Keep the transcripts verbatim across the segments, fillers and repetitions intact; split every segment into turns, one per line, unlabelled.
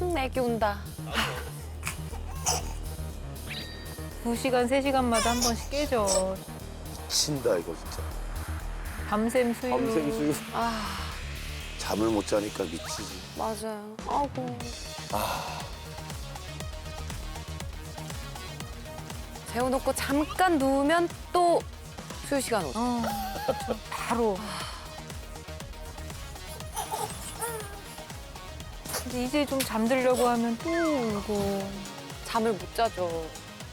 음, 애기 온다.
두 시간, 세 시간마다 한 번씩 깨져.
친다 이거 진짜.
밤샘 수유.
밤샘 수유.
아,
잠을 못 자니까 미치지.
맞아요. 아이고. 재워놓고 잠깐 누우면 또 수유 시간 오죠.
어, 저 바로. 근데 이제 좀 잠들려고 하면 또 울고.
잠을 못 자죠.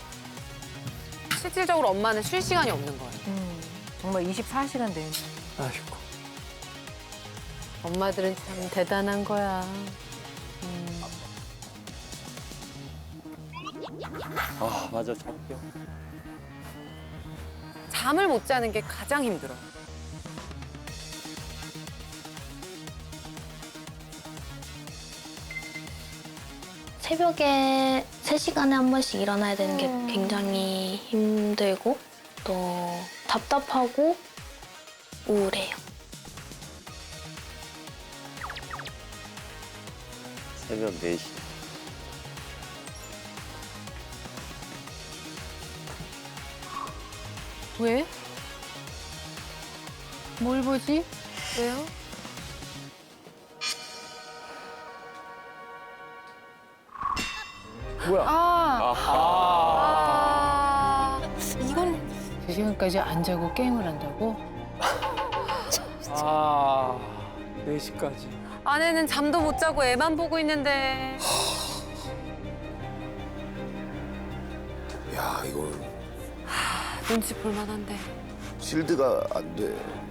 실질적으로 엄마는 쉴 시간이 없는 거예요.
음, 정말 이십사 시간 되는.
아이고.
엄마들은 참 대단한 거야.
아 맞아 잠겨.
잠을 못 자는 게 가장 힘들어요.
새벽에 세 시간에 한 번씩 일어나야 되는 게 굉장히 힘들고 또 답답하고 우울해요.
새벽 네 시.
왜?
뭘 보지?
왜요?
뭐야?
아,
아,
이건
세 시간까지 안 자고 게임을 한다고?
아, 네 시까지.
아내는 잠도 못 자고 애만 보고 있는데.
야 이거
눈치 볼 만한데.
실드가 안 돼.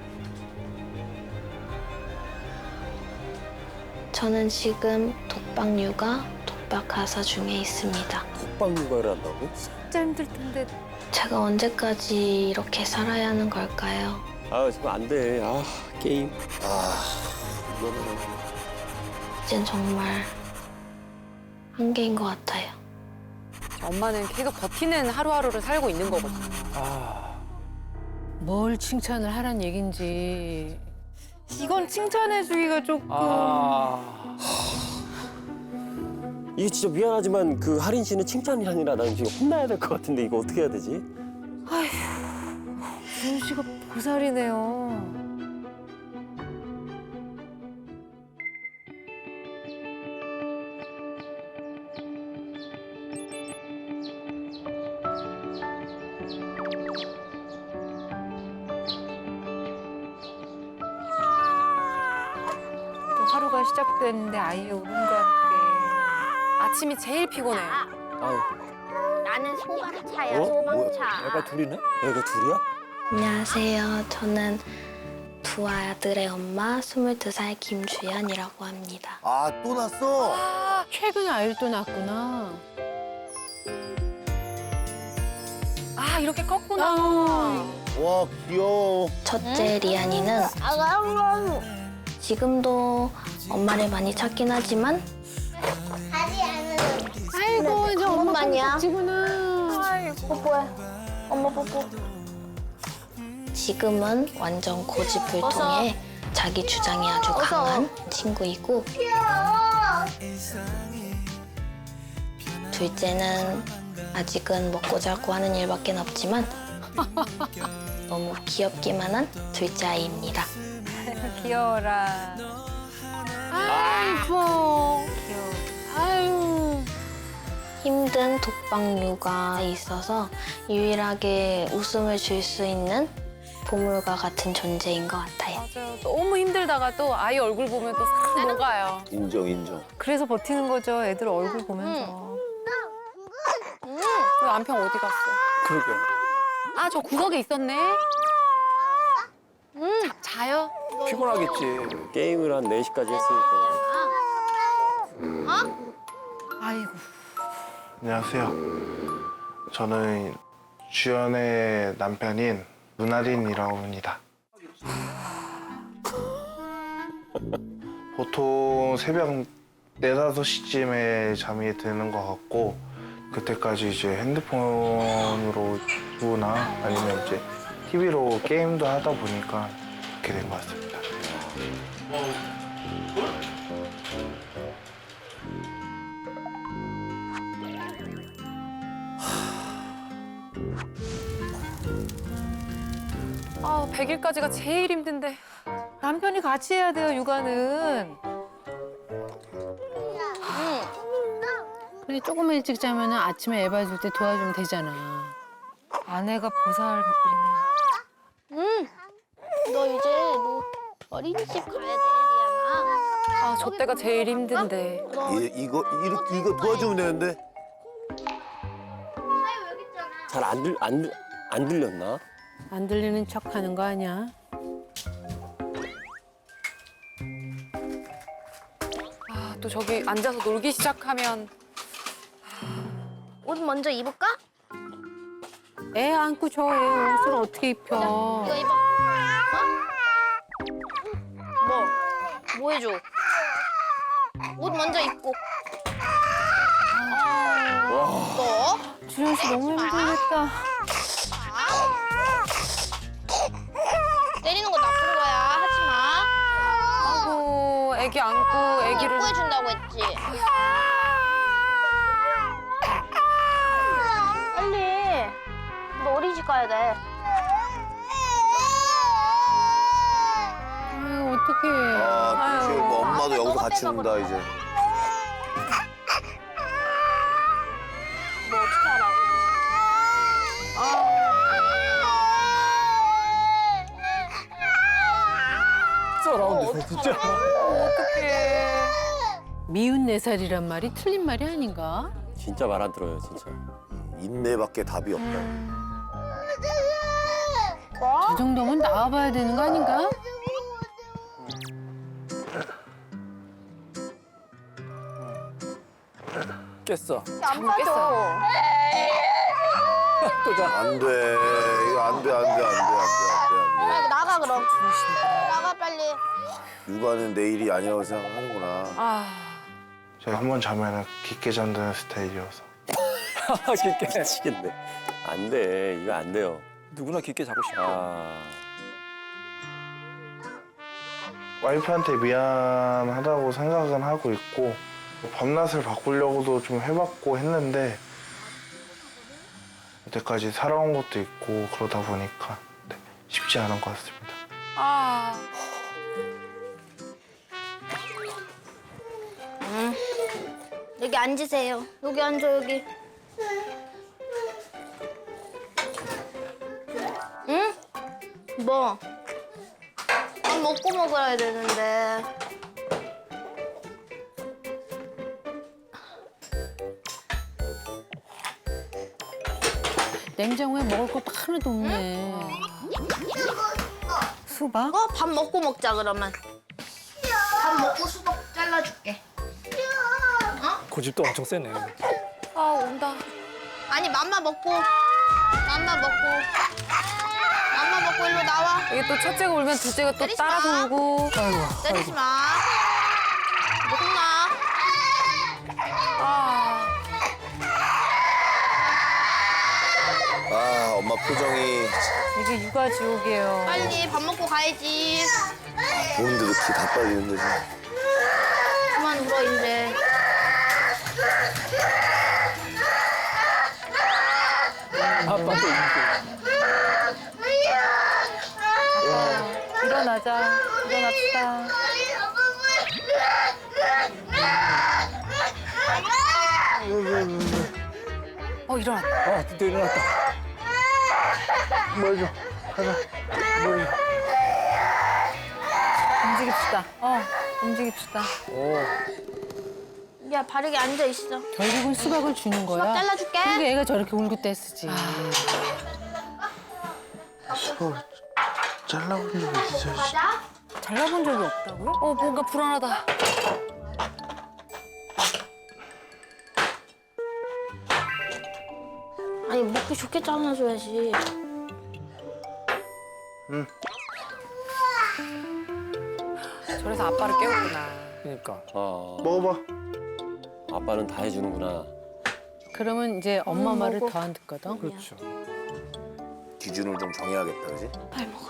저는 지금 독박 육아, 독박 가사 중에 있습니다.
독박 육아를 한다고?
진짜 힘들 텐데.
제가 언제까지 이렇게 살아야 하는 걸까요?
아 지금 안 돼. 아 게임.
아 이거는
이젠 정말 한계인 것 같아요.
엄마는 계속 버티는 하루하루를 살고 있는 거거든요.
아.
뭘 칭찬을 하란 얘긴지.
이건 칭찬해주기가 조금.
아. 이게 진짜 미안하지만 그 하린 씨는 칭찬이 아니라 나는 지금 혼나야 될 것 같은데 이거 어떻게 해야 되지?
준우 씨가 보살이네요. 또 하루가 시작됐는데 아이의 울음과 함께.
아침이 제일 피곤해요.
아유.
나는 소방차야,
어?
소방차.
애가 둘이네? 애가 둘이야?
안녕하세요. 저는 두 아들의 엄마 스물두 살 김주연이라고 합니다.
아 또 났어?
최근에 아이를 또 낳았구나.
아, 이렇게 컸구나.
와 귀여워.
첫째 리안이는
아가우.
지금도 엄마를 많이 찾긴 하지만
하지 않은.
아이고 이제 엄마
엄마만이야.
껍질구나.
뽀뽀해. 엄마 뽀뽀.
지금은 완전 고집불통에 자기 주장이 아주 강한 친구이고 둘째는 아직은 먹고 자고 하는 일밖에 없지만 너무 귀엽기만 한 둘째 아이입니다.
귀여워라.
아이고.
귀여워.
아유.
힘든 독박 육아에 있어서 유일하게 웃음을 줄 수 있는 보물과 같은 존재인 것 같아요.
맞아요. 너무 힘들다가 또 아이 얼굴 보면 또 싹 녹아요.
인정 인정.
그래서 버티는 거죠. 애들 얼굴 보면서.
그 남편 어디 갔어?
그러게.
아, 저 구석에 있었네. 자, 자요?
피곤하겠지. 게임을 한 네 시까지 했으니까.
아이고.
안녕하세요. 저는 주연의 남편인 문하린이라고 합니다. 보통 새벽 네다섯 시쯤에 잠이 드는 것 같고 그때까지 이제 핸드폰으로 유튜브나 아니면 이제 티비로 게임도 하다 보니까 그렇게 된 것 같습니다.
아, 백 일까지가 제일 힘든데.
남편이 같이 해야 돼요, 육아는.
그래 조금만 일찍 자면 아침에 애 봐줄 때 도와주면 되잖아.
아내가 보살
응. 너 이제 너 어린이집 가야 돼, 리안아.
아, 저 때가 제일 힘든데.
너
이, 이거 이렇게 이거 도와주면 되는데.
사유 여기 있잖아.
잘 안 들, 안, 들- 안 들렸나?
안 들리는 척 하는 거 아니야?
아, 또 저기 앉아서 놀기 시작하면.
옷 먼저 입을까?
애 안고 저 애 옷을 어떻게 입혀?
이거 입어. 어? 뭐? 뭐 해줘? 옷 먼저 입고. 너?
주현 씨 너무 힘들겠다.
때리는 거 나쁜 거야. 하지 마.
아이고, 애기 안고 애기를.
예뻐해준다고 했지. 빨리. 너 어린이집 가야 돼.
아유 어떡해.
아, 그치. 뭐 엄마도 여기서
너가
같이
빼봐,
논다
그럼.
이제.
너 어떻게 하라고?
썰어온데 진짜.
어떡해.
미운 네 살이란 말이 틀린 말이 아닌가?
진짜 말 안 들어요, 진짜.
인내밖에 답이 없다.
저 정도면 나와봐야 되는 거 아닌가?
깼어.
안 빠져.
또 자.
안 돼. 이거 안 돼, 안 돼, 안 돼, 안 돼, 안 돼, 안
빨리 나가 그럼. 나가 빨리.
돼. 육아는 내일이 아니라고 생각하는구나.
아,
제가 한 번 자면은 깊게 잠드는 스타일이어서.
깊게 자시겠네. 안 돼, 이거 안 돼요. 누구나 깊게 자고 싶어. 아,
와이프한테 미안하다고 생각은 하고 있고 밤낮을 바꾸려고도 좀 해봤고 했는데 여태까지 살아온 것도 있고 그러다 보니까 네, 쉽지 않은 것 같습니다.
아.
여기 앉으세요. 여기 앉아 여기. 응? 뭐? 밥 먹고 먹어야 되는데.
냉장고에 먹을 거 하나도 없네. 수박?
어? 밥 먹고 먹자 그러면. 밥 먹고 수박 잘라줄게.
고집도 엄청 세네.
아, 온다.
아니 맘마 먹고. 맘마 먹고. 맘마 먹고 일로 나와.
이게 또 첫째가 울면 둘째가 또
때리지
따라
마.
울고.
때리지 마. 너 혼나.
아.
아, 엄마 표정이
이게 육아 지옥이에요.
빨리 밥 먹고 가야지.
보는데도 기 다 빨리는데. 지금.
그만 울어 이제.
아빠도
일어나자. 일어납시다.
어, 일어났다.
아, 드디어 일어났다.
뭐죠?
움직입시다. 어, 움직입시다.
야 바르게 앉아 있어.
결국은 수박을 주는
수박
거야.
잘라줄게.
근데 애가 저렇게 울고 뗐으지.
잘라본 적 있어요?
가자.
잘라본 적이 없다고요? 어, 뭔가 불안하다.
아니 먹기 좋게 잘라줘야지.
저래서 아빠를 깨웠구나.
그러니까. 아,
먹어봐.
아빠는 다 해주는구나.
그러면 이제 엄마
음,
말을
먹어.
더 안 듣거든.
그렇죠.
기준을 좀 정해야겠다, 그지?
빨리 먹어.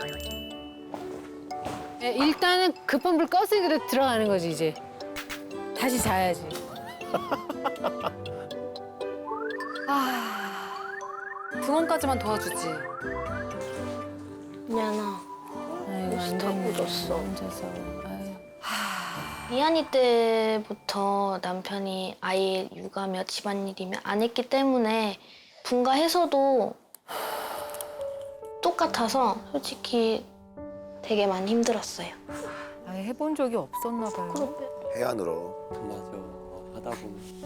예, 일단은 급한 불 껐으니까 들어가는 거지 이제. 다시 자야지.
등원까지만 도와주지.
미안아.
아이고 안
옷이 다
됐네.
묻었어.
혼자서. 아유.
미안이 때부터 남편이 아이 육아며 집안일이며 안 했기 때문에 분가해서도 똑같아서 솔직히 되게 많이 힘들었어요.
아예 해본 적이 없었나 봐요.
해야 늘어.
맞아. 하다 보면.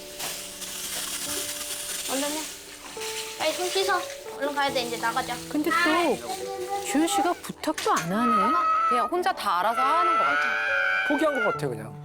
얼른 해. 빨리 손 씻어. 얼른 가야 돼. 이제 나가자.
근데 또 주현 씨가 부탁도 안 하네.
그냥 혼자 다 알아서 하는 것 같아.
포기한 것 같아 그냥.